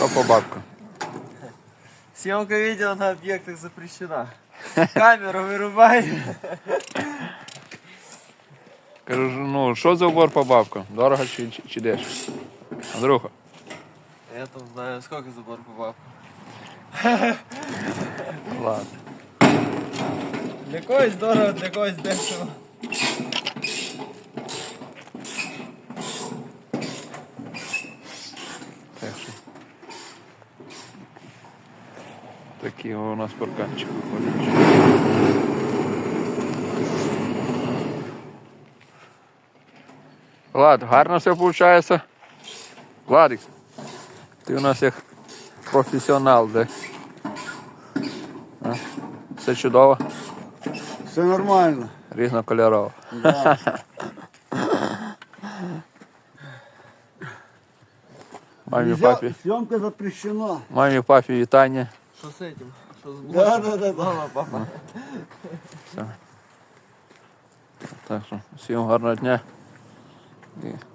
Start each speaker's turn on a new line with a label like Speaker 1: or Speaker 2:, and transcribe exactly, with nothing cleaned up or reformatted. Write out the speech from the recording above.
Speaker 1: Що по бабкам?
Speaker 2: Съемка видео на объектах запрещена. Камеру вырубай.
Speaker 1: Кажу, ну що за убор по бабкам? Дорого чи, чи, чи дешево? Андрюха.
Speaker 2: Я там знаю, сколько забор по бабкам.
Speaker 1: Ладно.
Speaker 2: Для когось дорого, для когось дешево.
Speaker 1: Так що. Такі у нас парканчик виходить. Влад, гарно все виходить. Владик, ти у нас як професіонал, де? А? Все чудово,
Speaker 3: Все нормально.
Speaker 1: різнокольорово.
Speaker 3: Да.
Speaker 1: Мамі,
Speaker 3: Нельзя-
Speaker 1: папі,
Speaker 3: Съемка запрещена.
Speaker 1: мамі, папі, вітання.
Speaker 2: Что с этим? Что с
Speaker 3: Да,
Speaker 2: блоком?
Speaker 3: да, да, да.
Speaker 2: Мама, папа.
Speaker 1: Так що, всім гарного дня. І